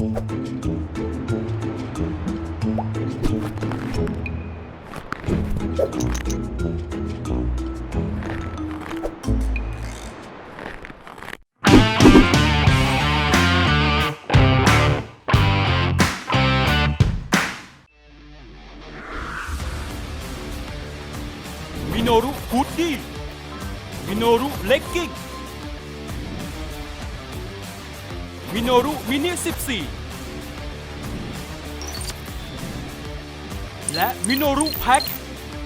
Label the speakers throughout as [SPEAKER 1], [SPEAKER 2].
[SPEAKER 1] มิโนรุฮูดดี้มิโนรุเลกกิ้งมิโนรุมินิ14และมิโนรุแพ็ค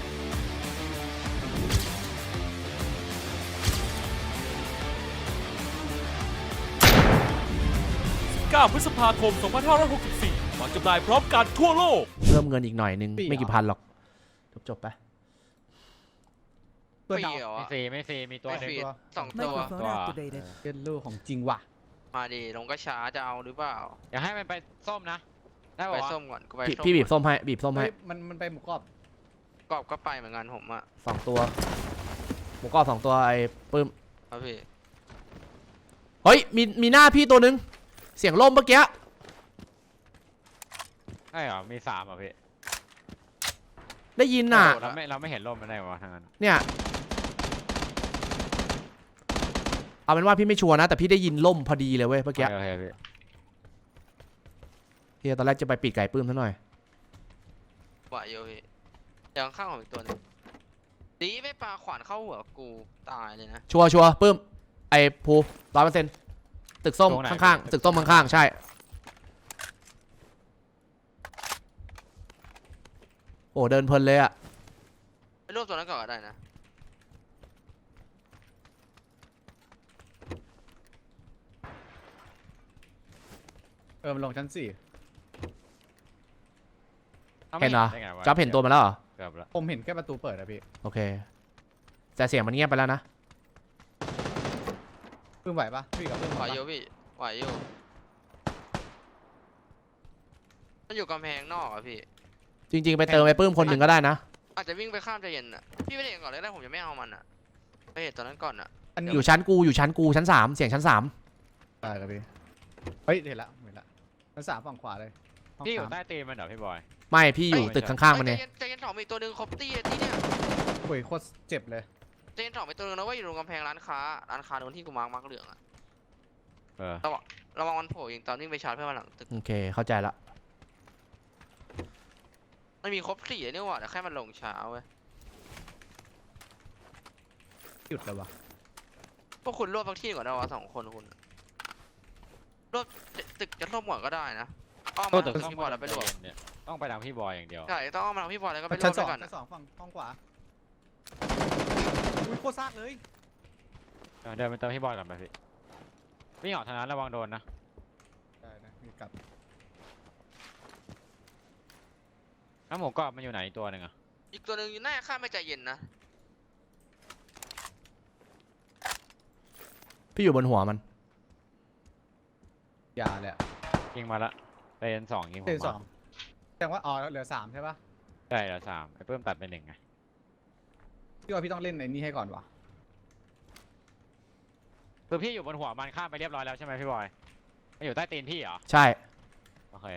[SPEAKER 1] 9 พฤษภาคม 2564 วางจำหน่ายพร้อมกันทั่วโลก
[SPEAKER 2] เพิ่มเงินอีกหน่อยนึงไม่กี่พันหรอกจบไป
[SPEAKER 3] ตัวดาว
[SPEAKER 4] ไม่ฟรีมีตัวหนึ่ง
[SPEAKER 3] 2 ตัวเป็นลูกของจริงว่ะ
[SPEAKER 5] มาดิลงก็ช้าจะเอาหรือเปล่า
[SPEAKER 4] อยากให้มันไปส้มนะได้
[SPEAKER 5] ไปส้มก่อนก็ไป
[SPEAKER 2] พี่บีบส้มให้
[SPEAKER 3] มันไปหมูกรอบ
[SPEAKER 5] ก็ไปเหมือนกันผมอ่ะ
[SPEAKER 2] 2 ตัวหมูกรอบ2 ตัวไอ้ปื้ม
[SPEAKER 5] ครับพี่
[SPEAKER 2] เฮ้ยมีหน้าพี่ตัวนึงเสียงล่มเมื่อกี้
[SPEAKER 4] ใช่เหรอมี3อ่ะพี่
[SPEAKER 2] ได้ยินน่ะ
[SPEAKER 4] เราไม่เห็นล่มมันได้วะทางนั้น
[SPEAKER 2] เนี่ยเอาเป็นว่าพี่ไม่ชัวร์นะแต่พี่ได้ยินล่มพอดีเลยเว้ยเมื่อกี้พี่ตอนแรกจะไปปิดไก่ปื้มซะหน่อย
[SPEAKER 5] ไหวโยพี่ยังข้างของอีกตัวนึงดีไม่ปลาขวานเข้าหัวกูตายเลยนะ
[SPEAKER 2] ชัวร์ปื้มไอ้ภู100%ตึกส้มข้างๆตึกส้มข้างๆใช่โอ้เดินเพลินเลยอะ
[SPEAKER 5] ไปรวบตัวนั้นก่อนก็ได้นะ
[SPEAKER 3] มันลงชั้น4
[SPEAKER 2] เห็นเหรอจ๊อบเห็นตัวมาแล้วเหรอ
[SPEAKER 3] ผมเห็นแค่ประตูเปิดอะพี่
[SPEAKER 2] โอเคแต่เสียงมันเงียบไปแล้วนะ
[SPEAKER 3] ปื้มไหวปะพี่กับปื้ม
[SPEAKER 5] ไหวโยพี่ไหวโยมันอยู่กำแพงนอกอะพี่
[SPEAKER 2] จริงๆไปเติมไปปื้มคนหนึ่งก็ได้นะ
[SPEAKER 5] อาจจะวิ่งไปข้ามใจเย็นอะพี่ไม่ได้เห็นก่อนเลยได้ผมจะไม่เอามันอะไปเห็นตอนนั้นก่อนอะ
[SPEAKER 2] อยู่ชั้นกูชั้น3เสียงชั้น3
[SPEAKER 3] ได้ครับพี่เฮ้ยเห็นละชั้น3ฝั่งขวาเลย
[SPEAKER 4] พี่อยู่ใต้ตีนมันเหรอพี่บอย
[SPEAKER 2] ไม่พี่อยู่ตึกข้างๆมันเนี่ย
[SPEAKER 5] ใจเย็น2มีตัวนึงครบตี้ที่เนี่ย
[SPEAKER 3] โอ้ยโคตรเจ็บเลย
[SPEAKER 5] ใจเย็น2มีตัวนึงนะว่าอยู่ตรงกำแพงร้านค้าโดนที่กูมาร์กเหลืองอะระวังมันโผล่ยิงตอนวิ่งไปชาร์จเพื่อนมาหลังตึก
[SPEAKER 2] โอเคเข้าใจละ
[SPEAKER 5] มันมีครบ4นี่หว่าแต่แค่มันลงช้าเว้ย
[SPEAKER 3] หยุดเลยวะ
[SPEAKER 5] พวกคุณรวบพักที่ก่อนนะวะ2 คนคุณรวบตึกจะรวบก่อนก็ได้นะอ้อมมาทางพี่บอยแล้วไปรวบ
[SPEAKER 4] ต้องไปทางพี่บอยอย่างเดียว
[SPEAKER 5] ใช่ต้องอ้อมมาทางพี่บอยแล้วก็ไปรวบด้วยกัน
[SPEAKER 3] ชั้น 2ฝั่งห้องขวาอุ้ยโคตรซากเลย
[SPEAKER 4] เดินไปเติมพี่บอยก่อนไปพี่วิ่งออกทางนั้นระวังโดนนะ
[SPEAKER 3] ได้นะมีกลับ
[SPEAKER 4] น้ำหมูกรอบมันอยู่ไหนตัวหนึ่งอ่ะ
[SPEAKER 5] อีกตัวหนึ่งอยู่หน้าข้ามไม่ใจเย็นนะ
[SPEAKER 2] พี่อยู่บนหัวมัน
[SPEAKER 3] ยาเลย
[SPEAKER 4] ยิงมาละเต็น2ยิงผมมา
[SPEAKER 3] แสดงว่าเหลือ3ใช่ปะ
[SPEAKER 4] ใช่เหลือ3ไอ้เพิ่มตัดเป็น1ไง
[SPEAKER 3] พี่ว่าพี่ต้องเล่นในนี้ให้ก่อนวะ
[SPEAKER 4] คือพี่อยู่บนหัวมันข้ามไปเรียบร้อยแล้วใช่ไหมพี่บอยไม่อยู่ใต้ตีนพี่เหรอ
[SPEAKER 2] ใช่
[SPEAKER 4] โอเค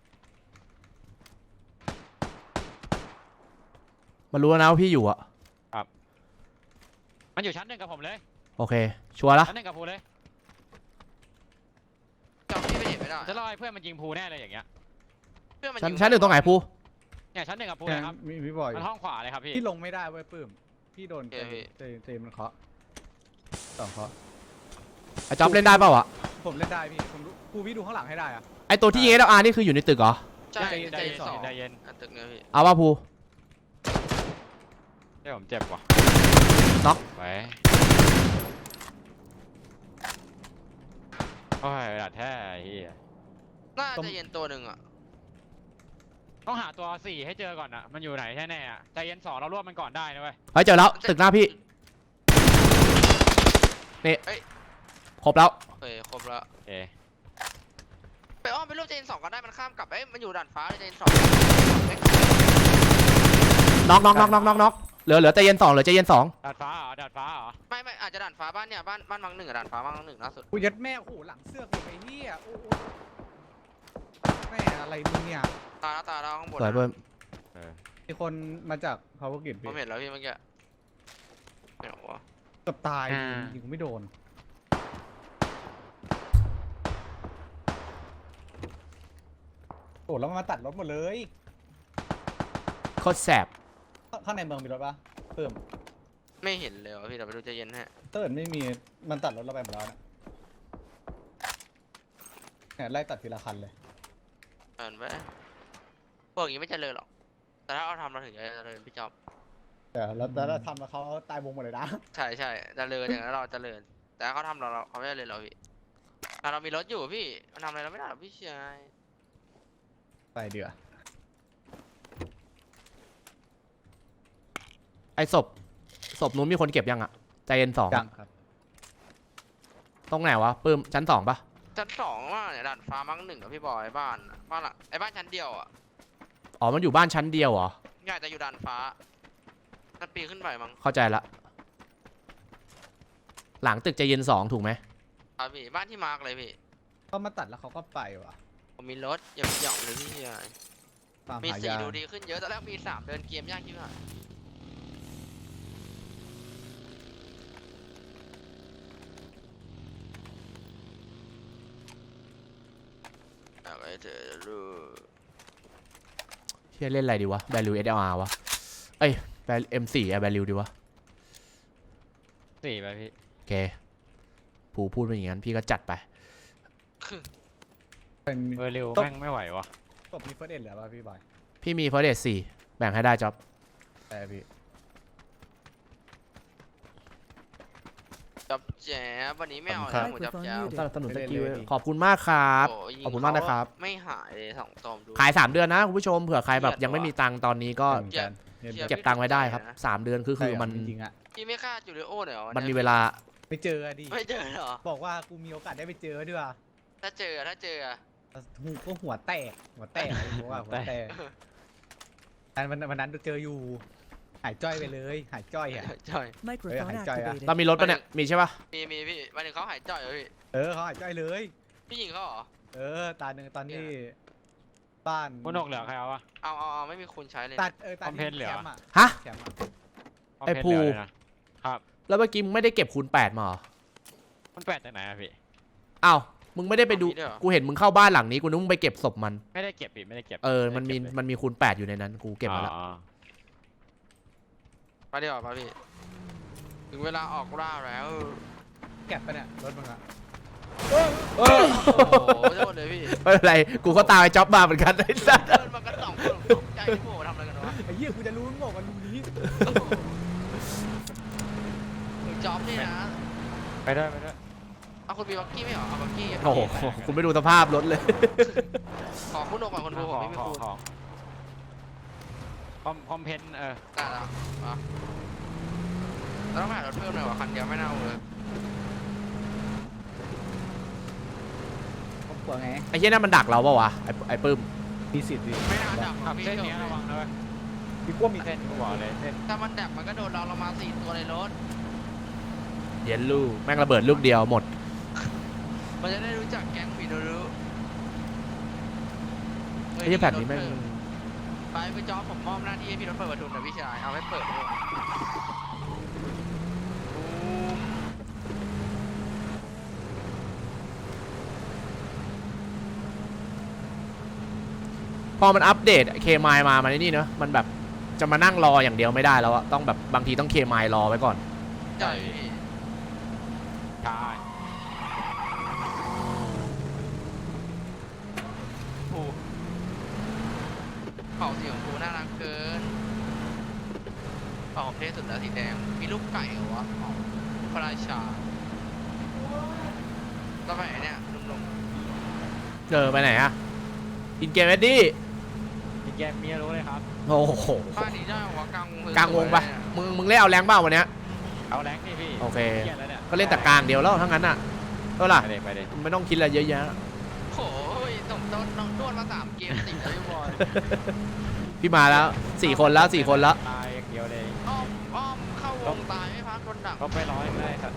[SPEAKER 2] มันรู้แล้วนะว่าพี่อยู่อะ
[SPEAKER 4] ครับมันอยู่ชั้น 1กับผมเลย
[SPEAKER 2] โอเคชัวร์ละ
[SPEAKER 4] ชั้น 1กับภูเลย
[SPEAKER 5] จำที่ไม่เห็นไม่ได้
[SPEAKER 4] จะรอให้เพื่อนมันยิงภูแน่เลยอย่างเงี้ย
[SPEAKER 2] ชั้น 1ตรงไหนภู
[SPEAKER 4] เนี่ยชั้น 1กับภูเลยครับ
[SPEAKER 3] มีพี่บอย
[SPEAKER 4] มันห้องขวาเลยครับพี่
[SPEAKER 3] ลงไม่ได้เว้ยปื้มพี่โดนเตะมันเคาะ2เคาะ
[SPEAKER 2] ไอ้จ๊อบเล่นได้เปล่าอะ
[SPEAKER 3] ผมเล่นได้พี่ผมภูพี่ดูข้างหลังให้ได้อะ
[SPEAKER 2] ไอ้ตัวที่ยิงSLRนี่คืออยู่ในตึกเหรอ
[SPEAKER 5] ใช่ใจเย็นตึกเนี้ยพี่
[SPEAKER 2] เอาว่าภู
[SPEAKER 4] เดี๋ยวผมเจ็บว่ะ
[SPEAKER 2] น็อก
[SPEAKER 4] ไปโอ้ยดัดแท้เฮีย
[SPEAKER 5] น่าจะเย็นตัวหนึ่งอ่ะ
[SPEAKER 4] ต้องหาตัว4ให้เจอก่อนอ่ะมันอยู่ไหนแน่ๆอ่ะใจเย็น2เรารวบมันก่อนได้นะเว้ย
[SPEAKER 2] เฮ้ยเจอแล้วตึกหน้าพี่นี่ครบแล้ว
[SPEAKER 5] ครบแล้วไปอ้อมไปรวบใจเย็น2ก็ได้มันข้ามกลับมันอยู่ด่านฟ้าใจเย็น2
[SPEAKER 2] น็อกเหลือใจเย็น2เหลือใจเย็น2
[SPEAKER 4] ดาดฟ้าเหรอ
[SPEAKER 5] ไม่อาจจะด่านฟ้าบ้านเนี่ยบ้านมัง1กับด่านฟ้ามัง1ล่าสุด
[SPEAKER 3] กูยัดแม่โอ้โหหลังเสื้อกูไปเฮียโอ้อะไรเนี่ย
[SPEAKER 5] ตาแล้วข้างบน
[SPEAKER 2] สวยเพิ่ม
[SPEAKER 3] มีคนมาจาก power grid
[SPEAKER 5] ผ
[SPEAKER 3] พี่
[SPEAKER 5] มเห็นแล้วพี่เมื่อกี้ไม่หรอวะ
[SPEAKER 3] เกับตายยิงกูไม่โดนโอ้แล้วมันมาตัดรถหมดเลย
[SPEAKER 2] โคตรแสบ
[SPEAKER 3] ข้างในเมืองมีรถปะเพิ่ม
[SPEAKER 5] ไม่เห็นเลยวะพี่เดี๋ยวไปดูใจเย็นฮะ
[SPEAKER 3] ถ้าเกิดไม่มีมันตัดรถเราไปหมดแล้วเนี่ยไล่ตัดทีละคันเลย
[SPEAKER 5] อ่านไปพวกอย่างนี้ไม่เจริญหรอกแต่ถ้าเราทำเราถึงจะเจริญพี่จ๊อบ
[SPEAKER 3] แต่เราทำแล้วเขาตายวงหมดเลยนะ
[SPEAKER 5] ใช่เจริญอย่างนั้นเราเจริญแต่ถ้าเขาทำเราเขาไม่เจริญเราพี่แต่เรามีรถอยู่พี่มันทำอะไรเราไม่ได้หรอกพี่ชาย
[SPEAKER 3] ไปเดือ
[SPEAKER 2] ไอ้ศพนู้นมีคนเก็บยังอะใจเย็น2
[SPEAKER 3] จังครับ
[SPEAKER 2] ตรงไหนวะปื้มชั้น2ปะ
[SPEAKER 5] ชั้นสองว่าเนี่ยด่านฟ้ามั้งหนึ่งกับพี่บอยบ้านหลังไอ้บ้านชั้นเดียวอ่ะ
[SPEAKER 2] อ๋อมันอยู่บ้านชั้นเดียวเหรอ
[SPEAKER 5] ง่ายจะอยู่ด่านฟ้ามันปีนขึ้นไปมั้ง
[SPEAKER 2] เข้าใจละหลังตึกใจเย็น2ถูกไหม
[SPEAKER 5] ครับพี่บ้านที่มาร์กเลยพี่
[SPEAKER 3] เขามาตัดแล้วเขาก็ไปว่ะ
[SPEAKER 5] ผมมีรถอย่าไปหย่องเลยพี่ชาย
[SPEAKER 3] ตาม
[SPEAKER 5] มี
[SPEAKER 3] หา
[SPEAKER 5] สี่
[SPEAKER 3] ยา
[SPEAKER 5] ดูดีขึ้นเยอะตอนแรกมี3เดินเกมยากที่สุดอะไรเธอรู้
[SPEAKER 2] เฮียเล่นอะไรดีวะ value SLR วะเอ้ย M4 value ดีวะ
[SPEAKER 4] 4ไปพี่
[SPEAKER 2] โอเคผูพูดไปอย่างนั้นพี่ก็จัดไป
[SPEAKER 3] เป็น
[SPEAKER 4] เวอร์ริว
[SPEAKER 3] ต้อง
[SPEAKER 4] แม่งไม่ไหววะ
[SPEAKER 3] ศพมีเฟิร์สเอ็ดเหลือป่ะพี่บอย
[SPEAKER 2] พี่มี first aid 4แบ่งให้ได้จ๊อบ
[SPEAKER 3] แต่พี่
[SPEAKER 5] จับแจ๊บวันนี้ไม่เอา
[SPEAKER 3] ครั
[SPEAKER 5] แล้
[SPEAKER 3] บ
[SPEAKER 5] วหมูจับแจ๊บ
[SPEAKER 2] สนับสนุนส
[SPEAKER 3] เล่น
[SPEAKER 2] กิล
[SPEAKER 3] เลยพี่
[SPEAKER 2] ขอบคุณมากครับ
[SPEAKER 5] โอ้ยิง
[SPEAKER 2] ขอบคุณมากนะครับ
[SPEAKER 5] เขไม่หายเลย2 ตอมดู
[SPEAKER 2] ขาย 3 เดือนนะคุณผู้ชมเผื่อใครแบบ
[SPEAKER 5] เกลียด
[SPEAKER 2] ยังไม่มีตังค์ตอนนี้ก็
[SPEAKER 3] เหมือนกันเนี่ย
[SPEAKER 5] เกลียด
[SPEAKER 2] เก็บตังค์ไว้ได้ครับ 3 เดือนคือมัน
[SPEAKER 3] จริงๆอ่ะ
[SPEAKER 5] พี่ไม่ฆ่าจูเลโอหน่อยเหรอ
[SPEAKER 2] มันมีเวลา
[SPEAKER 3] ไม่เจอดิ
[SPEAKER 5] ไม่เจอเหรอ
[SPEAKER 3] บอกว่ากูมีโอกาสได้ไปเจอด้วยว่ะ
[SPEAKER 5] ถ้าเจอ
[SPEAKER 3] หูก็หัวแตกหัวแตกบอกว่าหัวแตกวันนั้นเจออยู่หายจ้อยไปเลยหายจ้อยอ่ะ
[SPEAKER 5] จ่อย
[SPEAKER 6] Microphone
[SPEAKER 3] Ơi, hành
[SPEAKER 6] activated.
[SPEAKER 2] เรามีรถปะเนี่ย มีใช่ปะ
[SPEAKER 5] มีพี่วันหนึ่งเขาหายจ่อยเหรอพี่
[SPEAKER 3] เขาหายจ้อยเลย
[SPEAKER 5] พี่ยิงเขาเหรอ
[SPEAKER 3] ตาหนึ่งตอนที่บ้าน
[SPEAKER 4] คุณนกเหลือใครเอาวะ
[SPEAKER 5] เอาไม่มีคนใช้เลย
[SPEAKER 3] ตัดตา
[SPEAKER 4] คอมเพนเหลือ
[SPEAKER 3] แคมป์อะ
[SPEAKER 2] ฮะ
[SPEAKER 3] แคมป์อะ
[SPEAKER 4] คอม
[SPEAKER 2] ไอ้
[SPEAKER 4] เพน
[SPEAKER 2] ภู
[SPEAKER 4] เหลือเลยนะครับ
[SPEAKER 2] แล้วเมื่อกี้มึงไม่ได้เก็บคูณ8มาเหรอ
[SPEAKER 4] มันแปดจากไหนอะพี่
[SPEAKER 2] อ้าวมึงไม่ได้ไปดู กูเห็นมึงเข้าบ้านหลังนี้กูนึกมึงไปเก็บศพมัน
[SPEAKER 4] ไม่ได้เก็บพี่ไม่ได้เก็บ
[SPEAKER 2] มันมีคูณ8อยู่ในนั้น กูเก็บมาแล้ว
[SPEAKER 4] อ๋อ
[SPEAKER 5] ไปดีกว่าป่ะพี่ถึงเวลาออกล่าแล้ว
[SPEAKER 3] แก็บไปเนี่ยรถมึงอะ
[SPEAKER 5] โอ้โหโทษเลยพี่
[SPEAKER 2] ไม่เป็นไร กูก็ตามไอ้จ๊อบมาเหมือนกันไอ้สัส
[SPEAKER 5] เดินมากัน2 คนตกใจที่โม่ทำอะไรกันวะ
[SPEAKER 3] ไอ้เหี้ยกูจะรู้มึงบอกกันรู้นี้
[SPEAKER 5] มึงจ็อบนี่นะ
[SPEAKER 4] ไปด้วย
[SPEAKER 5] เอาคุณมีบักกี้ไหมเหรอเอาบักกี้
[SPEAKER 2] โอ้โหคุณไม่ดูสภาพรถเลย
[SPEAKER 5] ขอคุณโอก่อนคนดูผมไม่มีคูณ
[SPEAKER 4] คอมเพน
[SPEAKER 5] ได้แล้วมาแล้วต้องหารถเพิ่มหน่อยวะคันเดียวไม่น่าเอาเลย
[SPEAKER 3] ผมกลัวไง
[SPEAKER 2] ไอ้เหี้ยนั่นมันดักเราปะวะ ไอ้ปื้ม
[SPEAKER 3] มีสิทธิ์ดิ
[SPEAKER 5] ไม่น่าดับค
[SPEAKER 4] ขั
[SPEAKER 5] รับบ พี่
[SPEAKER 4] เส้นนี้ระวังนะเว้ย
[SPEAKER 3] พี่กลัวมี
[SPEAKER 4] เส้นกูบอกเลยเส้น
[SPEAKER 5] ถ้ามันดับมันก็โดนเรามา4 ตัวในรถ
[SPEAKER 2] เย็นลูกแม่งระเบิดลูกเดียวหมด
[SPEAKER 5] มันจะได้รู้จักแก๊งผีดูรู้
[SPEAKER 2] ไอ้เหี้ยแผ่นนี้แม่ง
[SPEAKER 5] ไปจอผมมอบหน้าที่ให้พี่รถเปิดประตูหน่อยพี่ชายเอาไว้เปิดด้วย
[SPEAKER 2] พอมันอัปเดตเคมายมาในนี่เนอะมันแบบจะมานั่งรออย่างเดียวไม่ได้แล้วอะต้องแบบบางทีต้องเคมายรอไว้ก่อน
[SPEAKER 5] ใช่พี่
[SPEAKER 4] ใช่
[SPEAKER 5] ผูเป่าสีของผูน่ารักเกินเป่าเท่สุดแล้วสีแดงมีลูกไก่เหรอวะของพระราชาก็ไปเนี่ยนุ่ม
[SPEAKER 2] ไปไหนอะอินเกมเวดดี้
[SPEAKER 4] พี่แกเมียรู้เลยครับ
[SPEAKER 2] โอ้โห
[SPEAKER 5] ๆบ้านนี้ได้หัวกลางวง
[SPEAKER 2] กลางวงปะมึงเล่นเอาแรงเปล่าวันเนี้ย
[SPEAKER 4] เอาแรงนี่พี่
[SPEAKER 2] โอเค
[SPEAKER 4] เกลียดแล้วเนี่ย
[SPEAKER 2] ก็เล่นแต่กลางเดียวแล้วทั้งนั้นอะก็ล่ะ
[SPEAKER 4] ไปเลย
[SPEAKER 2] ไม่ต้องคิดอะไรเยอะแยะ
[SPEAKER 5] โอ้ยสมต้นน้องด้วนมา3 เกมติดแล้วพี่บอย
[SPEAKER 2] พี่มาแล้ว4 คนแล้ว4 คนแล้ว
[SPEAKER 4] ตายอย่างเดียวเลย
[SPEAKER 5] อ้อมเข้าวงตายไม่พักโดนดัก
[SPEAKER 4] ก็ไปร้อยไม่ได้ครับ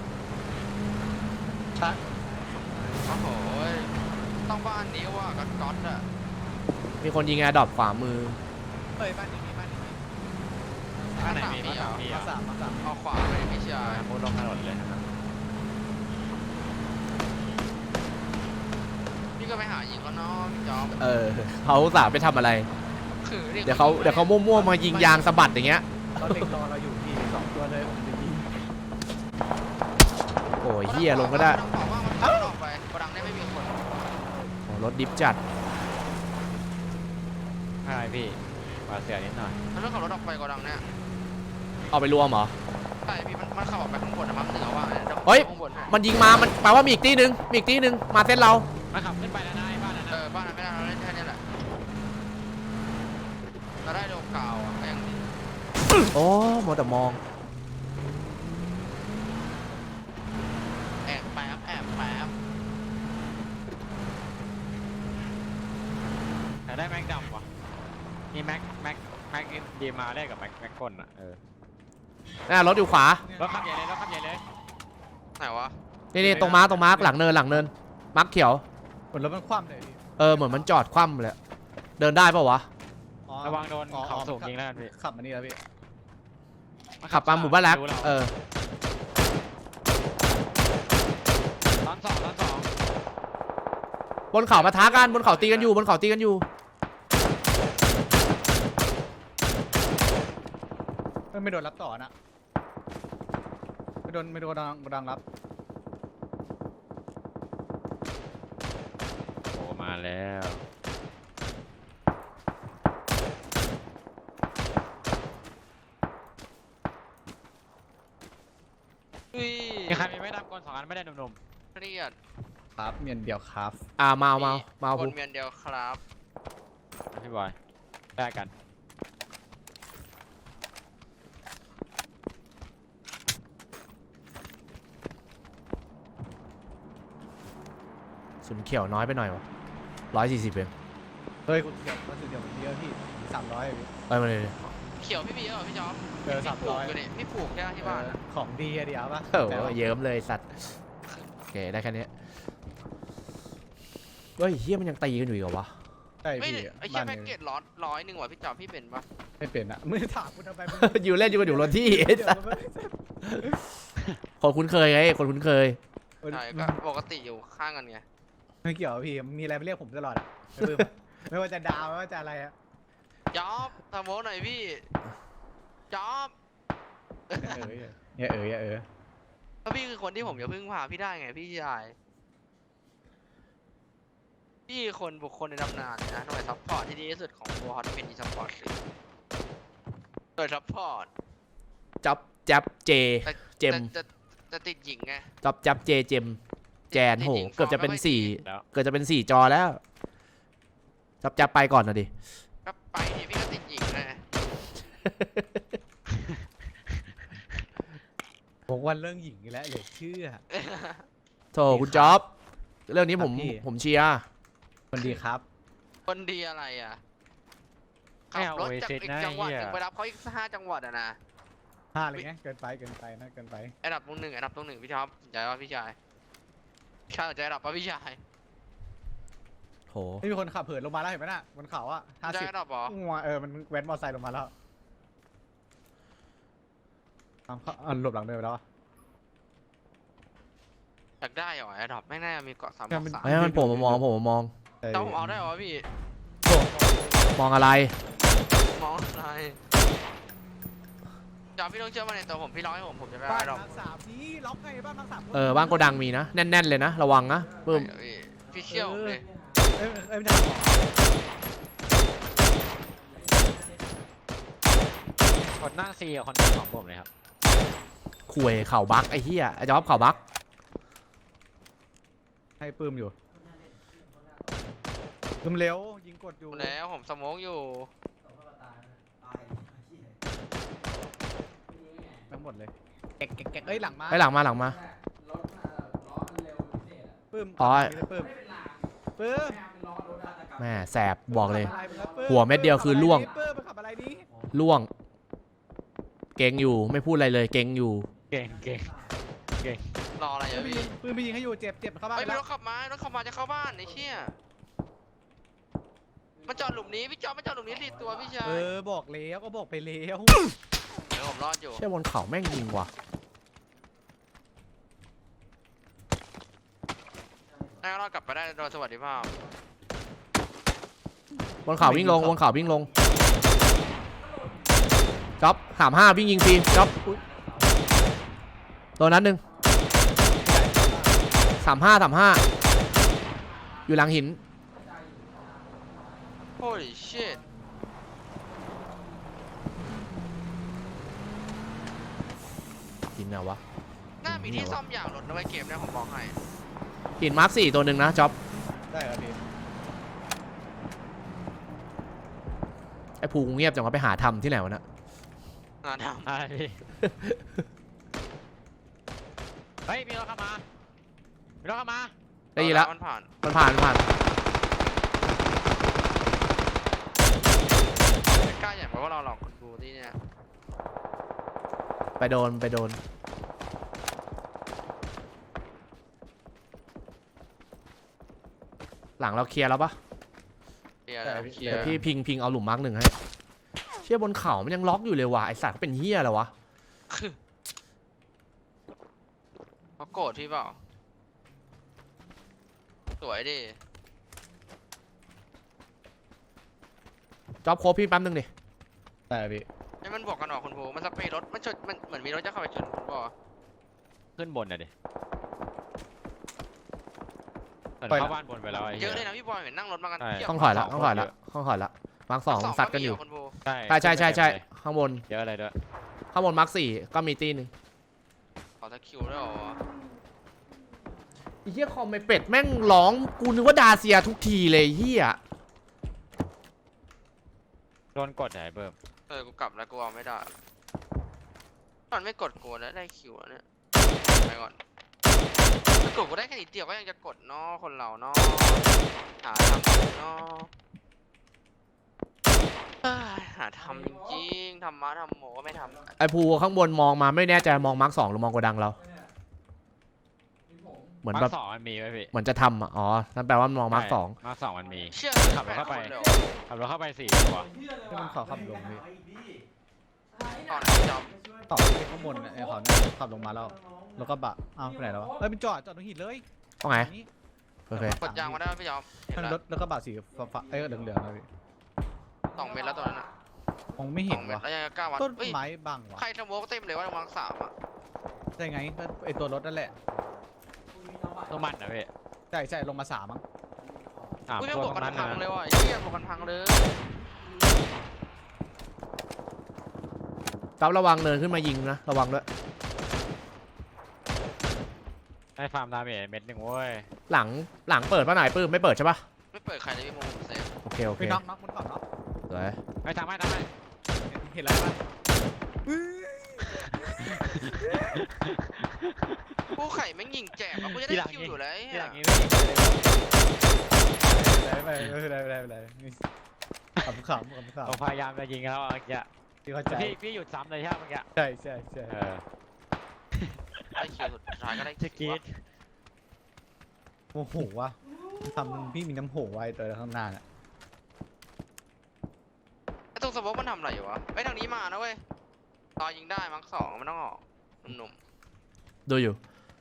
[SPEAKER 5] โอ้โหต้องบ้านนี้ว่าก๊อตอะ
[SPEAKER 2] มีคนยิงแอร์ดรอปขวามือ
[SPEAKER 3] เฮ้ยบ้านนี้มีบ้านนี้มี
[SPEAKER 4] ข้างไหนมี
[SPEAKER 5] มีเหรอ
[SPEAKER 4] มี
[SPEAKER 3] มาสามมาสาม
[SPEAKER 5] เอาขวาไปพี่ชาย
[SPEAKER 4] มุดลงถนนเลยนะครับ
[SPEAKER 5] พี่ก็ไปหายิงเขาเนาะพี่จอม
[SPEAKER 2] เขาอุตส่าห์ไปทำอะไร
[SPEAKER 5] คือ
[SPEAKER 2] เดี๋ยวเขามั่วๆมายิงยางสะบัดอย่างเงี้ย
[SPEAKER 3] เราเด็กรอเราอยู่ที่สองตัวเลยผมจะยิง
[SPEAKER 2] โอ้ยเฮียลงก็ได้
[SPEAKER 5] ต้องบอกว่ามันออกไปกระดังได้ไม่มีคน
[SPEAKER 2] โอ้รถดิฟจัด
[SPEAKER 4] ใช่พี่มาเสียนิดหน่อย
[SPEAKER 5] มันต้องขับรถออกไปกระดังเนี่ย
[SPEAKER 2] เอาไปรวมเหรอ
[SPEAKER 5] ใช่พี่มันขับออกไปข้างบนนะมั้งเหนือว่าเนี่ยดี๋ว
[SPEAKER 2] เฮ้ย
[SPEAKER 5] ข้างบนให้
[SPEAKER 2] มันยิงมามันแปลว่ามีอีกตีหนึ่งมาเส้นเรา
[SPEAKER 4] มันขับขึ้นไปแล้วนะไอ้บ้านนั้น
[SPEAKER 5] เอ
[SPEAKER 4] นะ
[SPEAKER 5] อบ้านนั้นไม่ได้เราเล่นแค่นี้แหละเราได้โลกาวอ่ะก็ยังดี
[SPEAKER 2] โอ้โมวแต่มอง
[SPEAKER 5] แอบแป๊บ
[SPEAKER 4] แต่ได้แม็กดำว่ะมีแม็กดีมาได้กับแม็กก้นอ่ะ
[SPEAKER 2] น่ารถอยู่ขวาร
[SPEAKER 4] ถขับใหญ่เลยรถขับใหญ่เลย
[SPEAKER 5] ไหนวะ
[SPEAKER 2] นี่ตรงมาร์คหลังเนินมาร์คเขียว
[SPEAKER 3] ผลรถมันคว่ำเลยพี่
[SPEAKER 2] เหมือนมันจอดคว่ำเลยเดินได้ปะวะ
[SPEAKER 3] อ๋อ
[SPEAKER 4] ระวังโดนเขาสูงยิงแล้วกันพี่
[SPEAKER 3] ขับมานี่แล้วพี่
[SPEAKER 2] ขับมาหมู่บ้านแรก
[SPEAKER 4] รู้เรา ตอนสอง
[SPEAKER 2] บนเขาปะทะกันบนเขาตีกันอยู่
[SPEAKER 3] ไม่โดนรับต่อนะไม่โดนดังรับ
[SPEAKER 4] โอ้มาแล้ว
[SPEAKER 5] อุ้ย
[SPEAKER 4] มีใครมีไม่ดำก้น2 อันไม่ได้หนุ่ม
[SPEAKER 5] เครียด
[SPEAKER 3] ครับเมียนเดียวครับ
[SPEAKER 2] มา
[SPEAKER 5] ค
[SPEAKER 2] พู
[SPEAKER 5] นเมียนเดียวครับ
[SPEAKER 4] ๆพี่บอยได้กัน
[SPEAKER 2] สุนเขียวน้อยไปหน่อยวะ140เอง
[SPEAKER 3] เฮ้ยคุณเดียวก็คือเดียวเยอะพี่300พี่
[SPEAKER 2] ไปมาเลย
[SPEAKER 5] เขียวพี่บีเหรอพี่จอม
[SPEAKER 3] เจอ
[SPEAKER 5] พี่ปลูกอยู่
[SPEAKER 3] 300
[SPEAKER 5] นี่พี่ปลูกแค่ที่บ้านอะ
[SPEAKER 3] ของดีอะเดียวปะ
[SPEAKER 2] โอ้โหเยิ้มเลยสัตว์โอเคได้แค่นี้เฮ้ยเฮียมันยังตีกันอยู่อีกเหรอวะ
[SPEAKER 3] ใช่
[SPEAKER 5] ไม่
[SPEAKER 3] พี่
[SPEAKER 5] ไอ้แค่แพ็กเกจ100ว่ะพี่จอมพี่เป็นปะ
[SPEAKER 3] ไม่เป็นอะไม่ถามคุณทำไม
[SPEAKER 2] อยู่เล่นอยู่กันอยู่รถที่ไอ้สัตว์คนคุ้นเคยไงคนคุ้นเคย
[SPEAKER 5] ใช่ก็ปกติอยู่ข้างกันไง
[SPEAKER 3] ไม่เกี่ยวพี่มีอะไรไปเรียกผมตลอดอะไม่ว่าจะดาวไม่ว่าจะอะไรอะ
[SPEAKER 5] จอบทำโมหน่อยพี่จอบ
[SPEAKER 3] อย่าเอ๋ย
[SPEAKER 5] เพราะพี่คือคนที่ผมจะพึ่งพาพี่ได้ไงพี่ชายพี่คนบุคคลในตำนานเลยนะหน่วยซัพพอร์ตที่ดีที่สุดของตัวฮอตเป็นอีซัพพอร์ตเลยหน่วยซัพพอร์ต
[SPEAKER 2] จับเจเจม
[SPEAKER 5] จะติดหญิงไง
[SPEAKER 2] จับเจเจมแจนโหเกือบจะเป็น
[SPEAKER 4] แล้ว
[SPEAKER 2] 4เกือบจะเป็น4 จอแล้วจับไปก่อนนะดิ
[SPEAKER 5] ก็ไปดิพี่ก็ติดหญิงไง
[SPEAKER 3] ผมวันเรื่องหญิงอีกแล้วเหลือเชื่อ
[SPEAKER 2] โถคุณจ๊อบเรื่องนี้ผม
[SPEAKER 3] ครับพี่
[SPEAKER 2] ผมเชียร์
[SPEAKER 3] คนดีครับ
[SPEAKER 5] คนดีอะไรอ่ะขั
[SPEAKER 4] ไม่
[SPEAKER 5] บ
[SPEAKER 4] เอา
[SPEAKER 5] รถ
[SPEAKER 4] โอเอ
[SPEAKER 5] จาก
[SPEAKER 4] ซิส
[SPEAKER 5] อีก
[SPEAKER 4] นะ
[SPEAKER 5] จังหวัด
[SPEAKER 4] เฮี
[SPEAKER 5] ห
[SPEAKER 4] ย
[SPEAKER 5] นึ่งไปรับเขาอีก5 จังหวัดอ่ะนะ
[SPEAKER 3] 5เลยไงเกินไปนะเกินไป
[SPEAKER 5] อันดับตรงหนึ่งพี่ท็อปสนใจว่าพี่ชายข้าสนใจอันดับป่ะพี่ชาย
[SPEAKER 2] โห
[SPEAKER 3] ไม่มีคนขับเหินลงมาแล้วเห็นไหมน่ะบนเขาอะ
[SPEAKER 5] สนใจอันดับเหรอ
[SPEAKER 3] มันแว้นมอเตอร์ไซค์ลงมาแล้วเอาหลบหลังเดินไปแล้วอะ
[SPEAKER 5] อยากได้เหรออันดับไม่แน่มีเกาะ3
[SPEAKER 3] เนี่ยมัน
[SPEAKER 5] 3
[SPEAKER 2] ไอ้มันผมมามอง
[SPEAKER 5] แต่ผมเอาได้เหรอพี่
[SPEAKER 2] มองอะไร
[SPEAKER 5] มองอะไรจอพี่ต้องเชื่อมั่นในตัวผมพี่ร้องให้ผมจะไป
[SPEAKER 3] บ้า
[SPEAKER 5] อั
[SPEAKER 3] น
[SPEAKER 5] นดับ
[SPEAKER 3] มังสามนี่ล็อกไงบ้านมังสาม
[SPEAKER 2] บ้านโกดังมีนะแน่นๆเลยนะระวังนะปึ้ม
[SPEAKER 5] พี่เชี่ยวผมเลย
[SPEAKER 3] ไม่ได้หรอ
[SPEAKER 4] คนนั่งซีกับคนนั่งของผมเลยครับ
[SPEAKER 2] คุยเข่าบักไอ้เหี้ยไอ้จ๊อบเข่าบัก
[SPEAKER 3] ให้ปื้มอยู่ปื้มเร็วยิงกดอยู่
[SPEAKER 5] แล้วผมสโมองอยู่
[SPEAKER 3] ทั้งหมดเลยแกะเอ้ยหลังมา
[SPEAKER 2] ไปหลังมา
[SPEAKER 3] ปื้ม
[SPEAKER 2] อ๋อ
[SPEAKER 3] ปื้ม
[SPEAKER 2] แม่แสบบอกเลย
[SPEAKER 3] ขับอะไรมึงครับปื้
[SPEAKER 2] หัวเม็ดเดียวคือล่วง
[SPEAKER 3] ปื้มมันขับอะไรนี่
[SPEAKER 2] ล่วง เก่งอยู่ไม่พูดอะไรเลยเก่งอยู่
[SPEAKER 4] เก่ง
[SPEAKER 5] รออะไรอะพี่
[SPEAKER 3] ปื้มไปยิงให้อยู่เจ็บเข้าบ้าน
[SPEAKER 5] ไอ้
[SPEAKER 3] ไป
[SPEAKER 5] ยมี
[SPEAKER 3] แล้ว
[SPEAKER 5] รถขับมาจะเข้าบ้านไอ้เชี่ยมันจอดหลุมนี้พี่จอดมันจอดหลุมนี้สิตัวพี่ชาย
[SPEAKER 3] บอกแล้วก็บอกไปแล้ว
[SPEAKER 5] เดี๋ยวผมรอดอยู่
[SPEAKER 2] เชี่ยบนเขาแม่งยิงว่ะ
[SPEAKER 5] น่ารอดกลับไปได้โดยสวัสดิภาพ
[SPEAKER 2] บนเขาวิ่งลงบนเขาวิ่งลงจ๊อบ35วิ่งยิงฟรีจ๊อบอุ๊ยตัวนั้นหนึ่ง35อยู่หลังหิน
[SPEAKER 5] Holy shit
[SPEAKER 2] หินไหนวะ
[SPEAKER 5] น่ามีที่ซ่อมอย่างรถนะไว้เกมเนี่ยผมบอกให้
[SPEAKER 2] หินมาร์ค4ตัวหนึ่งนะจ๊อบ
[SPEAKER 3] ได้ครับพี่
[SPEAKER 2] ไอ้ภูเงียบจังวะไปหาทำที่ไหนวะเนะ
[SPEAKER 5] งานท
[SPEAKER 4] อะไรพี่เฮ้ยมีรถเข้ามามีรถเข้ามา
[SPEAKER 5] ำ
[SPEAKER 2] ได้ยินแล้ว
[SPEAKER 5] มันผ่าน
[SPEAKER 2] มันผ่าน
[SPEAKER 5] ไม่กล้าอย่างเพราะว่าเราหลอกคนดูที่เนี่ย
[SPEAKER 2] ไปโดนหลังเราเคลียร์แล้วปะ
[SPEAKER 5] เคลียร์แล้วเคลีย
[SPEAKER 2] เดี๋ยว
[SPEAKER 5] ร์
[SPEAKER 2] พี่พิงเอาหลุมมาร์ค1ให้เชี่ยบนเขามันยังล็อกอยู่เลยว่ะไอสัตว์เขาเป็นเหี้ยอะไรวะ
[SPEAKER 5] เขาโกรธพี่เปล่าสวยดิ
[SPEAKER 2] จ๊อบโคบพี่แป๊บนึงดิ
[SPEAKER 3] ได้ครับพี่
[SPEAKER 5] ให้มันบอกกันหรอคุณภูมันสเปรย์รถมันชนมันเหมือนมีรถจะเข้าไปชนคุณบอก
[SPEAKER 4] ขึ้นบนน่ะดิเหมือนเข้าบ้านบนไปแล้วไอ้
[SPEAKER 5] เย
[SPEAKER 4] เหี้
[SPEAKER 5] อะเลยนะพี่บอยเห็นนั่งรถมากัน
[SPEAKER 4] ใช่
[SPEAKER 5] เพียบ
[SPEAKER 2] ต้องถอยละมาร์ค2ซัดกันอยู่
[SPEAKER 5] คุณภู
[SPEAKER 4] ใช่
[SPEAKER 2] ใช่ข้างบน
[SPEAKER 4] เยอะอะไรด้วย
[SPEAKER 2] ข้างบนมาร์ค4ก็มีตีหนึง
[SPEAKER 5] ขอตะคิวด้วยเหรอ
[SPEAKER 2] ไอ้เหี้ยคอมไอเป็ดแม่งร้องกูนึกว่าดาเซียทุกทีเลยเหี้ย
[SPEAKER 4] โดนกดไหนเบิ่ม
[SPEAKER 5] กูกลับแล้วกูเอาไม่ได้มันไม่กดกูแล้วได้คิวเนี่ยไปก่อนถ้ากดกูได้แค่นิดเดียวก็ยังจะกดเนาะคนเราเนาะหาทำเนาะหาทำจริงๆทำมาทำโมก็ไม่ทำ
[SPEAKER 2] ไอภูข้างบนมองมาไม่แน่ใจมองมาร์ค2หรือมองโกดังเราเหมือน
[SPEAKER 4] มา
[SPEAKER 2] แบ
[SPEAKER 4] ร์
[SPEAKER 2] บ
[SPEAKER 4] ค2มันมีไว้พี่
[SPEAKER 2] เหมือนจะทำอ๋อนั่นแปลว่ามองมาร์ค2
[SPEAKER 4] มาร์ค2มันมี
[SPEAKER 5] เชื่อ
[SPEAKER 4] ขับรถเข้าไป
[SPEAKER 5] เลย
[SPEAKER 4] ขับรถเข้าไป4ตัว
[SPEAKER 3] ที่มันขอขับลงพี่
[SPEAKER 5] ตอนจอม
[SPEAKER 3] ต่อไปข้างบนไอ้ขอขับลงมาแล้วก็บะอ้าวไปไหนแล้ววะเป็นจอดตรงหินเลย
[SPEAKER 2] ว่าไง
[SPEAKER 3] นี่
[SPEAKER 2] โอเค
[SPEAKER 5] กดยางมาได้ไหมพี่จอมเห็น
[SPEAKER 3] มัน
[SPEAKER 5] แล้ว
[SPEAKER 3] รถแล้วก็บะสีฟ้าเหลืองๆนะพี่
[SPEAKER 5] 2 เมตรแล้วตัวนั้นอ่ะ
[SPEAKER 3] มองไม่เห็น
[SPEAKER 5] 2 เมตร
[SPEAKER 3] วะ
[SPEAKER 5] แล้วยังกล้าวัด
[SPEAKER 3] ต้น
[SPEAKER 5] เฮ้ย
[SPEAKER 3] ไม้บังวะ
[SPEAKER 5] ใครสโมกเต็มเลยว่าวัง3อ่ะ
[SPEAKER 3] ใช่ไงก็ไอตัวรถนั่นแหละ
[SPEAKER 4] ต้องมันนะพี่
[SPEAKER 3] ใช่ลงมา3มั้ง
[SPEAKER 5] อุ้ยไม่
[SPEAKER 4] ตัว
[SPEAKER 5] บวก
[SPEAKER 4] ตรง
[SPEAKER 5] กั
[SPEAKER 4] นั้น น
[SPEAKER 5] พัง
[SPEAKER 4] นะ
[SPEAKER 5] เลยว่ะไอ้เหี้ยบวกกันพังเลย
[SPEAKER 2] จ๊อบระวังเนินขึ้นมายิงนะระวังด้วย
[SPEAKER 4] ได้ฟาร์มดาเมจเม็ดหนึ่งเว้ย
[SPEAKER 2] หลังเปิดป่ะไหนปื้มไม่เปิดใช่ปะ
[SPEAKER 5] ไม่เปิดใครเลยพี่โมผมเซฟ
[SPEAKER 2] โอเค
[SPEAKER 3] ไปน็อกบนเขาน็อก
[SPEAKER 2] สวย
[SPEAKER 4] ไม่ทำให้
[SPEAKER 3] เห็นแล้วปะ
[SPEAKER 5] ผู้ไข่แม่งยิงแจกแล้วกูจะได้คิวอยู่แล้วไอ้
[SPEAKER 4] ที่
[SPEAKER 5] เหี้
[SPEAKER 4] ห
[SPEAKER 5] ย
[SPEAKER 4] ลังนี้
[SPEAKER 3] ไปขำข
[SPEAKER 4] ผมพยายามจะยิงแล้วเมื่อกี้
[SPEAKER 3] ที่เข้าใจ
[SPEAKER 4] พี่หยุดซ้ำเลยใช่ไหมเมื่อกี้
[SPEAKER 3] ใช่
[SPEAKER 4] เออ
[SPEAKER 5] ได้คิวสุดท้ายก็ได้
[SPEAKER 4] จะกรี
[SPEAKER 5] คิว
[SPEAKER 4] ด
[SPEAKER 3] โอ้โหวะทำพี่มีน้ำโหไว้ตัวข้างหน้าน่ะ
[SPEAKER 5] ไอ้ตรงสโมกมันทำอะไรอยู่วะไอ้ทางนี้มานะเว้ยรอยิงได้มั้ง2มันต้องออกหนุ่ม
[SPEAKER 2] ดูอยู่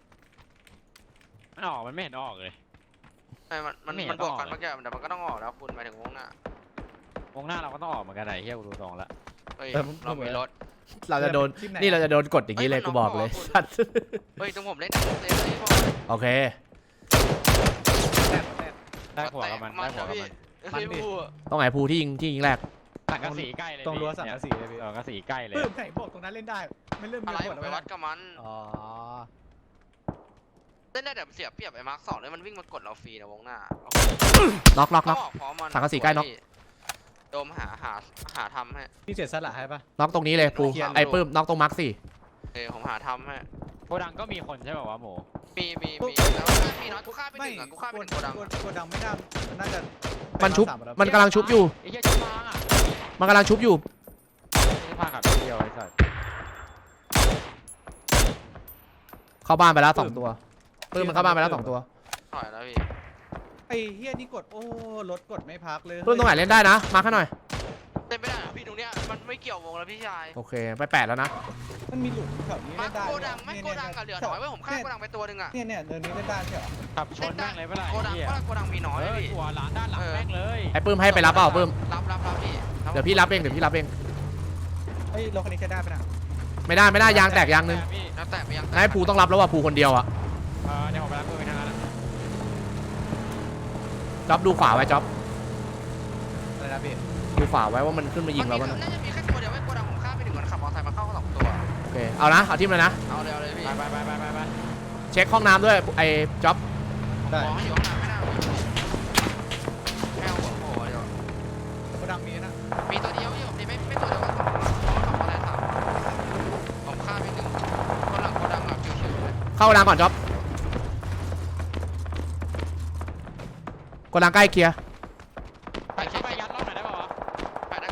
[SPEAKER 4] มันออกมันไม่เห็นออกเลย
[SPEAKER 5] ๆไอ้มันบวกกันเมื่อกี้แต่มันก็ต้องออกแล้วคุณไปถึงวงหน้าว
[SPEAKER 4] งหน้าเราก็ต้องออกเหมือนกันไหนเฮียกูดูตรงละ
[SPEAKER 5] เฮ้ยเรามีรถ
[SPEAKER 2] เราจะโดนนี่เราจะโดนกดอย่างนี้เลยกูบอกเลยสัตว์
[SPEAKER 5] เฮ้ยตรงผมเล่นเลยพ่อ
[SPEAKER 2] โอเค
[SPEAKER 4] ได้หัวกับมันได้หัวกับมัน
[SPEAKER 5] เฮ้ยพู
[SPEAKER 2] ต้องไหนภูที่ยิงแรก
[SPEAKER 4] สังกะสีใกล้เลย
[SPEAKER 3] ตรงรั้วสังกะสีเลยพี่
[SPEAKER 4] สังกะสีใกล้เลย
[SPEAKER 3] ปื้มไหนบอกตรงนั้นเล่นได้ ไม่เริ่มมี
[SPEAKER 5] อะไร
[SPEAKER 3] ผ
[SPEAKER 5] ผ
[SPEAKER 3] ล
[SPEAKER 5] ม
[SPEAKER 3] แล้ว
[SPEAKER 5] ไปวัดกับมัน
[SPEAKER 3] อ๋อ
[SPEAKER 5] เล่นได้แต่เสียเปรียบไอ้มาร์ค2เลยมันวิ่งมากดเราฟรีนะวงหน้า
[SPEAKER 2] น็อก
[SPEAKER 5] เขาออกพร้อมมัน
[SPEAKER 2] สังกะสีใกล้น็อก
[SPEAKER 5] โดมหาทำให้
[SPEAKER 3] พี่เสียสละให้ปะ
[SPEAKER 2] น็อกตรงนี้เลยปู
[SPEAKER 5] เคลียร์
[SPEAKER 2] ไอ้ปื้มน็อกตรงมาร์ค4
[SPEAKER 5] ผมหาทำให้
[SPEAKER 4] โกดังก็มีคนใช่ป่าวะหมู
[SPEAKER 5] มีแล้วมีน้อยกูฆ่าไปหนึ่งอ่ะกูฆ่าไปหนึ่งโกดัง
[SPEAKER 3] โกดังไม่น่าน่าจะ
[SPEAKER 2] มันชุบมันกำลังชุบอยู่
[SPEAKER 4] ไอ้เหี้ยชุบพังอ่ะ
[SPEAKER 2] มันกำลังชุบอยู่
[SPEAKER 4] ชุบพังกับเดียวไอ้สัส
[SPEAKER 2] เข้าบ้านไปแล้ว2ตัวปื้มมันเข้าบ้านไปแล้ว2ตัว
[SPEAKER 5] ถอยแล้วพี่
[SPEAKER 3] ไอ้เฮียนี่กดโอ้รถกดไม่พักเลย
[SPEAKER 2] ปื้มตรงไหนเล่นได้นะมาข้างหน่อย
[SPEAKER 5] เล่นไม่ได้เหรอพี่ตรงเนี้ยมันไม่เกี่ยววงแล้วพี่ชาย
[SPEAKER 2] โอเคไป8แล้วนะ
[SPEAKER 3] มันมีหลุมแถวนี้
[SPEAKER 5] มา
[SPEAKER 3] เล่นได้
[SPEAKER 5] โกดังไม่โกดังกับเหลือน้อยเว้ยผมฆ่าโกดังไปตัวหนึ่งอะ
[SPEAKER 3] เนี่ยเดินนี้เล่นได้ใช่เหรอ
[SPEAKER 4] ขับชนแม่งเลยเมื่อไหร่
[SPEAKER 5] โกดัง
[SPEAKER 4] เหี้ย
[SPEAKER 5] ว่าโกดังมีน้อย
[SPEAKER 4] เอ
[SPEAKER 5] เลย
[SPEAKER 4] อ
[SPEAKER 5] พี่
[SPEAKER 4] หัวหลานด้านหลังแม่งเลย
[SPEAKER 2] ไอ้ปื้มให้ไปรับเปล่าปื้ม
[SPEAKER 5] รับพี่
[SPEAKER 2] เดี๋ยวพี่รับเอง
[SPEAKER 3] เฮ้ยรถคันนี้ใช้ได้ปะน่ะ
[SPEAKER 2] ไม่ได้ยางแตกยางนึง
[SPEAKER 4] พี่
[SPEAKER 5] แล้วแต่ไปยัง
[SPEAKER 2] ให้ภูต้องรับแล้วว่ะภูคนเดียวอะ
[SPEAKER 4] เดี๋ยวผมไปรับมือทางนั้น
[SPEAKER 2] จ๊อบดูขวาไว้จ๊อบ
[SPEAKER 3] อะไรนะพี่
[SPEAKER 2] ดูขวาไว้ว่ามันขึ้นมายิงเรา
[SPEAKER 5] มั
[SPEAKER 2] บ้าง
[SPEAKER 5] น่าจะมีแค่ตัวเดียวไว้โกดังผมฆ่าไปถึงมันขับมอเตอร์ไซค์มาเข้าสองตัว
[SPEAKER 2] โอเคเอานะเอาทีมเลยนะ
[SPEAKER 5] เอาเลยพี่
[SPEAKER 4] ไป
[SPEAKER 2] เช็คห้องน้ำด้วยไอ้จ๊อบ
[SPEAKER 3] ได้
[SPEAKER 5] มองอยู่ห้องน้ำไม่น่าแมวหัวโผล่เดี๋ยว
[SPEAKER 3] โกดังมีนะ
[SPEAKER 5] มีตัวเดียวอยู่นี่ไม่ตัวเดียวก็สองอะไรสามผมฆ่าไปหนึ่งคนหลังโกดังแบบชิวๆเลย
[SPEAKER 2] เข้าโกดังก่อนจ๊อบโกดังใกล้เคลียร์
[SPEAKER 4] ไปเข้าไปยัดรอบไหนได้ป่าวะ
[SPEAKER 5] แปดได้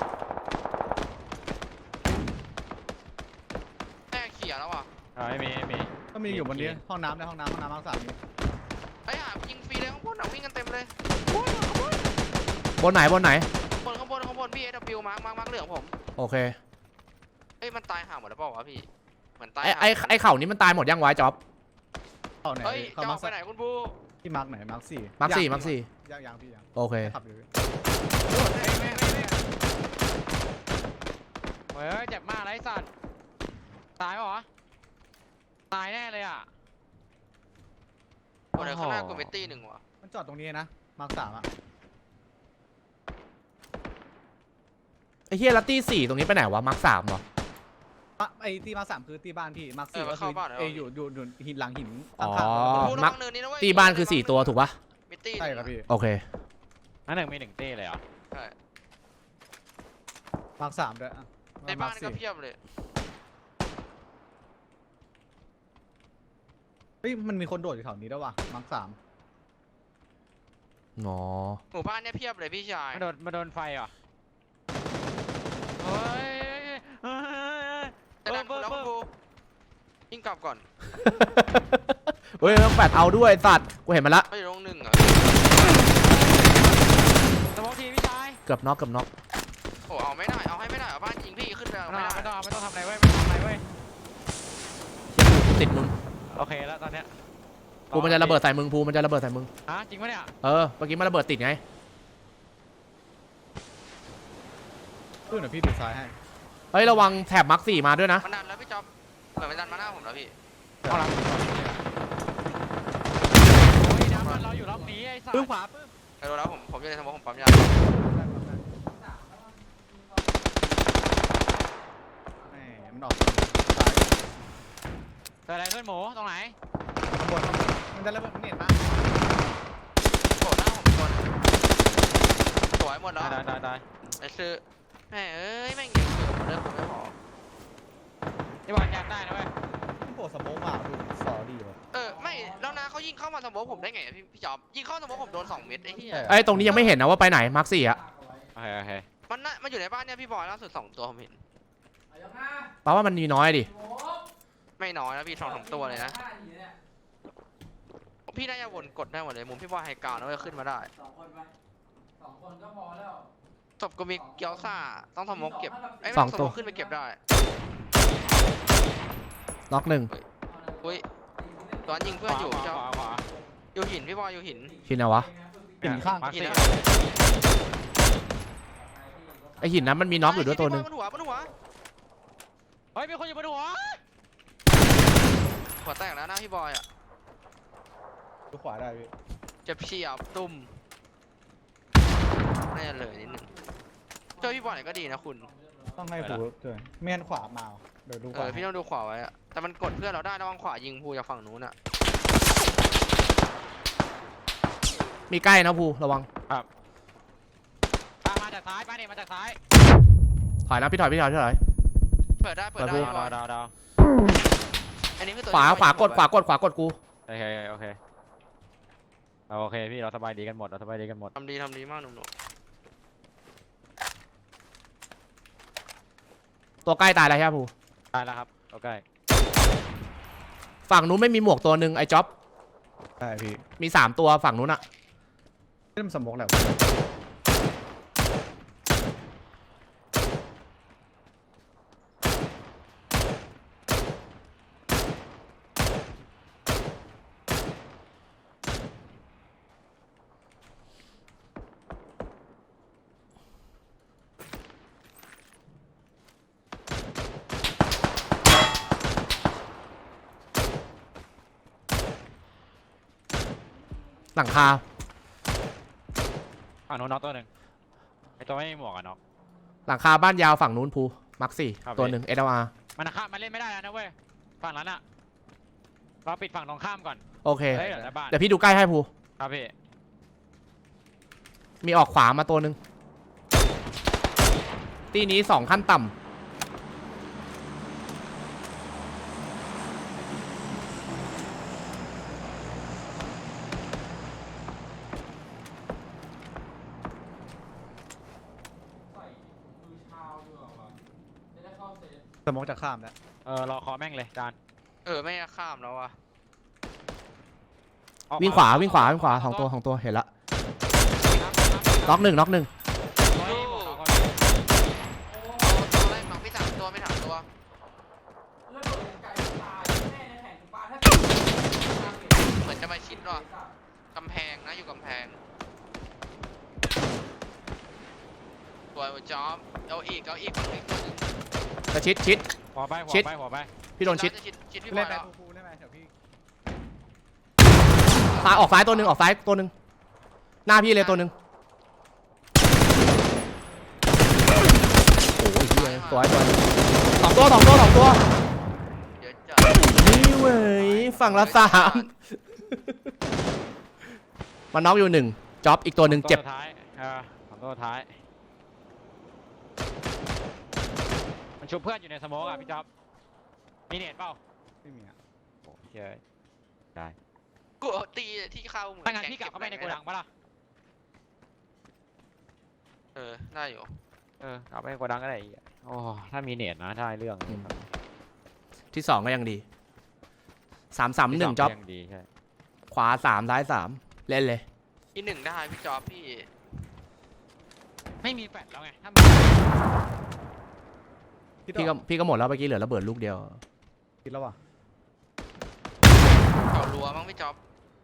[SPEAKER 5] แม่เขี่ยแล้วอ่ะ
[SPEAKER 4] ไม่มี
[SPEAKER 3] ก็มีอยู่บนนี้ห้องน้ำในห้องน้ำห้องสามนี้
[SPEAKER 5] ไอ้ห่ายิงฟรีเลยข้างบนวิ่งกันเต็มเลย
[SPEAKER 2] บนไหน
[SPEAKER 5] ข้างบนพี่ AW มาร์คเหลืองผม
[SPEAKER 2] โอเค
[SPEAKER 5] เฮ้ยมันตายห่าหมดแล้วเปล่าวะพี่เหมือนตาย
[SPEAKER 2] ไอ้เข่านี้มันตายหมดยังไวะจ๊อบ
[SPEAKER 3] เข้าไหน
[SPEAKER 5] เฮ้ย
[SPEAKER 3] เข้า
[SPEAKER 5] จะ
[SPEAKER 3] มา
[SPEAKER 5] ออกไปไหนคุณบู
[SPEAKER 3] ที่มาร์กไหนมาร์กสี่
[SPEAKER 2] มาร์คสี่
[SPEAKER 3] ยังพี่ยัง
[SPEAKER 2] โอเค
[SPEAKER 3] ขับอยู่
[SPEAKER 4] เฮ้ยเจ็บมากเลยไอ้สัตว์ตายป่าวะตายแน่เลยอ่ะ
[SPEAKER 5] คนเดียวข้างหน้ากูเมตตี้หนึ่งว่ะ
[SPEAKER 3] มันจอดตรงนี้นะมาร์กสามอ่ะ
[SPEAKER 2] ไอ้เฮียลัตตี้4ตรงนี้ไปไหนวะมาร์ค3เหรอ
[SPEAKER 3] ไอ้ที่มาร์กสามคือที่บ้านพี่มาร์กสี่ก็
[SPEAKER 5] เข้า
[SPEAKER 3] คือ
[SPEAKER 5] บ้านเหรอ
[SPEAKER 3] อยู่หินหลังหิน
[SPEAKER 2] อ๋อ
[SPEAKER 3] ข้างๆ
[SPEAKER 5] บูระ
[SPEAKER 2] มา
[SPEAKER 5] วั
[SPEAKER 2] ร์ค
[SPEAKER 5] งเนินนี้นะเว้ย
[SPEAKER 2] ตีบ้านคือ4ตัวถูกปะ
[SPEAKER 5] เมตตี้
[SPEAKER 3] ใช่ครับพี่
[SPEAKER 2] โอเค
[SPEAKER 4] อันหนึ่งมี1เต้เลยเหรอ
[SPEAKER 5] ใช่
[SPEAKER 3] มาร์กสามด้วยอ่ะ
[SPEAKER 5] ในบ้านก็เพียบเลย
[SPEAKER 3] เฮ้ยมันมีคนโดดอยู่แถวนี้ด้วยว่ะมาร์กสาม
[SPEAKER 2] อ๋อ
[SPEAKER 5] หมู่บ้านเนี่ยเพียบเลยพี่ชาย
[SPEAKER 4] มาโดนไฟเหรอเฮ้ย
[SPEAKER 5] จะดันกูแล้วคุณบูยิงกลับก่อน
[SPEAKER 2] เฮ้ยต้องแปดเอาด้วยสัตว์กูเห็นมันละ
[SPEAKER 5] ไม่อยู่ตรงหนึ่งอ่ะ
[SPEAKER 4] สมองทีพี่ชาย
[SPEAKER 2] เกือบน็อก
[SPEAKER 5] โอ้เอาไม่ได้เอาให้ไม่ได้เอาบ้านยิงพี่ขึ้นไปเอาไม่ได้
[SPEAKER 4] ไม่ต้องทำอะไรเว้ยไม่ต้องทำอะไรเว้ย
[SPEAKER 2] กูติดมึง
[SPEAKER 4] โอเคแล้วตอนเนี้ย
[SPEAKER 2] ภูมันจะระเบิดใส่มึงภูมันจะระเบิดใส่มึง
[SPEAKER 4] ฮะจริงปะเนี่ย
[SPEAKER 2] เออเมื่อกี้มันระเบิดติดไง
[SPEAKER 3] ขึ้นเดี๋ยวพี่ดูซ้ายให้
[SPEAKER 2] เฮ้ยระวังแถบมาร์ค4มาด้วยนะ
[SPEAKER 5] มันดันแล้วพี่จ๊อบเหมือนมันดันมาหน้าผมแล้วพี่
[SPEAKER 4] เอาหลังโอ้ยน้ำมันเราอยู่รอบนี้ไอ้สัต
[SPEAKER 3] ปื้ม
[SPEAKER 4] ว์
[SPEAKER 3] ขวาปื้ม
[SPEAKER 5] ไปดูแล้วผมอยู่ในสมองผมปั๊มยา
[SPEAKER 3] แหมมันออกซ้าย
[SPEAKER 4] เกิดอะไรขึ้นหมูตรงไหน
[SPEAKER 3] ข้างบนมันจะระเบิดมันเน็ตมา
[SPEAKER 5] โผล่หน้าผมคนสวยหมดแล้ว
[SPEAKER 4] ตาย
[SPEAKER 5] ไอ้ซื้อแม่เอ้ยแม่งยิงอยู่เรื่องผมไม่พอ
[SPEAKER 4] ที่บอลยัดได้นะเว้ย
[SPEAKER 3] มันโผล่สโมองมาดูสอดีว่ะ
[SPEAKER 5] ไม่แล้วนะเขายิงเข้ามาสมองผมได้ไงอะพี่จ๊อบยิงเข้าสมองผมโดน2 เม็ดไอ้เหี้ย
[SPEAKER 2] ไอ้ยตรงนี้ยังไม่เห็นนะว่าไปไหนมาร์ค4อะ
[SPEAKER 4] โอเค
[SPEAKER 5] มันอยู่ในบ้านเนี่ยพี่บอยล่าสุด2 ตัวผมเห็น
[SPEAKER 2] แปลว่ามันมีน้อยดิ
[SPEAKER 5] ไม่น้อยนะพี่2-3 ตัวเลยนะพี่น่าจะวนกดได้หมดเลยมุมพี่บอยไฮกราวน์นะเว้ยขึ้นมาได้
[SPEAKER 6] 2 คนก็พอแล้ว
[SPEAKER 5] ศพก็มีเกียวซ่าต้องสมองเก็บไอ้ย
[SPEAKER 2] สอง
[SPEAKER 5] ไม่
[SPEAKER 2] ตัว
[SPEAKER 5] สมองขึ้นไปเก็บได้
[SPEAKER 2] น็อก
[SPEAKER 5] อุ้ยตอนยิงเพื่อนอยู่
[SPEAKER 4] ข
[SPEAKER 5] เจ้าว
[SPEAKER 4] า
[SPEAKER 5] อยู่หินพี่บอยอยู่หิน
[SPEAKER 2] หินไหนวะ
[SPEAKER 3] หินข้าง
[SPEAKER 4] มาร์ค
[SPEAKER 5] หิน
[SPEAKER 4] สี่
[SPEAKER 5] นะ
[SPEAKER 2] ไอหินนั้นมันมีน็อกอยู่ด้วยตัวหนึ่ง
[SPEAKER 5] บนหัว
[SPEAKER 4] เฮ้ยมีคนอยู่บนหัว
[SPEAKER 5] หัวแตกแล้วนะพี่บอยอ่ะ
[SPEAKER 3] ดูขวาได้พี่
[SPEAKER 5] เจ็บเฉียบตุ่มน่าจะเลยนิดนึงเจอพี่บอยไหนก็ดีนะคุณ
[SPEAKER 3] ต้องให้ผูด้วยไม่งั้นขวามาเดี๋ยวดูขวา
[SPEAKER 5] พี่ต้องดูขวาไว้อะแต่มันกดเพื่อนเราได้ระวังขวายิงภูจากฝั่งนู้นอะ
[SPEAKER 2] มีใกล้นะภูระวัง
[SPEAKER 4] มาจากซ้ายมาจากซ้าย
[SPEAKER 2] ถอยนะพี่ถอย
[SPEAKER 5] เปิดได้
[SPEAKER 2] เปิด
[SPEAKER 5] พี่บอย
[SPEAKER 4] ดาว
[SPEAKER 5] อันนี้คือตัว
[SPEAKER 2] ขวา
[SPEAKER 5] ที่
[SPEAKER 2] ขวากด
[SPEAKER 5] ไว้
[SPEAKER 2] ขวากดกู
[SPEAKER 4] โอเคพี่เราสบายดีกันหมดเราสบายดีกันหมด
[SPEAKER 5] ทำดีมากหนุ่ม
[SPEAKER 2] ตัวใกล้ตายแล้วใช่ไหมภู
[SPEAKER 4] ตายแล้วครับโอเค
[SPEAKER 2] ฝั่งนู้นไม่มีหมวกตัวหนึ่งไอ้จ๊อบ
[SPEAKER 3] ใช่พี่
[SPEAKER 2] มี3ตัวฝั่งนู้นอะ
[SPEAKER 3] เริ่มสมองแล้ว
[SPEAKER 2] หลังคา
[SPEAKER 4] ฝั่งโน้นน็อกตัวหนึ่งไอตัวไม่มีหมวกอะน็อก
[SPEAKER 2] หลังคาบ้านยาวฝั่งนู้นภูมักสี่
[SPEAKER 4] ครับ
[SPEAKER 2] ตัวหนึ่ง SLR
[SPEAKER 4] มันข้ามมันเล่นไม่ได้แล้วนะเว้ยฝั่งนั้นอะเราปิดฝั่งตรงข้ามก่อน
[SPEAKER 2] โอเค
[SPEAKER 4] เฮ้ยเดี๋ยวในบ้าน
[SPEAKER 2] เดี๋ยวพี่ดูใกล้ให้ภู
[SPEAKER 4] ครับพี่
[SPEAKER 2] มีออกขวามาตัวหนึ่งตีนี้2ขั้นต่ำ
[SPEAKER 6] ใส่มือเท้าด้วยเหรอวะจะได้เข้าเซฟ
[SPEAKER 3] สมองจะข้ามแล้ว
[SPEAKER 4] รอคอแม่งเลยจาน
[SPEAKER 5] ไม่ข้ามแล้ววะ
[SPEAKER 4] ออก
[SPEAKER 2] วิ่งขวาวิ่งขวาวิ่งขวาสองตัวเห็นละน็อกหนึ่ง
[SPEAKER 4] ตัวไม่มีหมวกน็อกคน
[SPEAKER 5] ตัวแรกน้องพี่3 ตัวไม่3 ตัว
[SPEAKER 6] แล้วโดดยังไกลตายแม่ในแผงถึงบ้านถ้า
[SPEAKER 5] เหมือนจะมาชิดว่ะกำแพงนะอยู่กำแพงตัวจอมเอาอีกฝั่งอีกตัวหนึง
[SPEAKER 2] จะชิด
[SPEAKER 4] หัวไป
[SPEAKER 2] ชิด
[SPEAKER 4] หัวไป
[SPEAKER 2] พี่โดนชิด
[SPEAKER 5] ชิดพี่บ
[SPEAKER 3] เล่
[SPEAKER 5] อน ย
[SPEAKER 3] ไป
[SPEAKER 5] แล้ว
[SPEAKER 3] ฟูๆได้ไหมเดี๋ยวพี่
[SPEAKER 2] ซ้ายออกซ้ายตัวหนึ่งออกซ้ายตัวหนึ่งหน้าพี่เลยตัวหนึ่งโอ้ยเหี้ยสวยสองตัว
[SPEAKER 5] เดี๋ยวจะ
[SPEAKER 2] นี่เว้ยฝั่งละ3มันน็อกอยู่1จ็อบอีกตัวหนึ่งเจ็บ
[SPEAKER 4] ตัวท้ายของตัวท้าย มันชุบเพื่อนอยู่ในสโมกอ่ะพี่จ๊อบมีเน็ตเปล่า
[SPEAKER 3] ไม่มีอ่ะ
[SPEAKER 4] โอ้เฮ้ยได้
[SPEAKER 5] กูตีที่เข้าเหมือน
[SPEAKER 4] ถ้างั้นพี่กลับเข้าไปในโกดังปะล่ะ
[SPEAKER 5] ได้อยู่
[SPEAKER 4] กลับไปในโกดังก็ได้อีกอะโอ้ถ้ามีเน็ตนะได้เรื่อง
[SPEAKER 2] ที่2ก็ยังดี3-3-1จ็อบ
[SPEAKER 4] ยังดีใช่
[SPEAKER 2] ขวา3ซ้าย3เล่นเลย
[SPEAKER 5] ที่1ได้พี่จอบพี่
[SPEAKER 4] ไม่มีแฟลชแล้วไงถ้า
[SPEAKER 2] พี่ก็หมดแล้วเมื่อกี้เหลือระเบิดลูกเดียว
[SPEAKER 3] คิดแล้วว่ะ
[SPEAKER 5] เขารัวมั้งพี่จอบ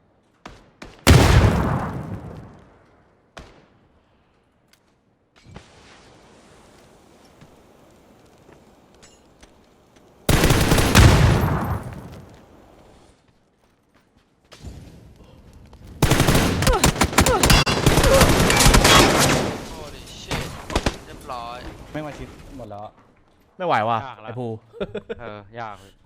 [SPEAKER 5] โอ้ดิชิตเรียบร้อย
[SPEAKER 3] ไม่มาชิดหมดแล้ว
[SPEAKER 2] ไม่ไหวว่ะไอ้ภู
[SPEAKER 4] ยากเลย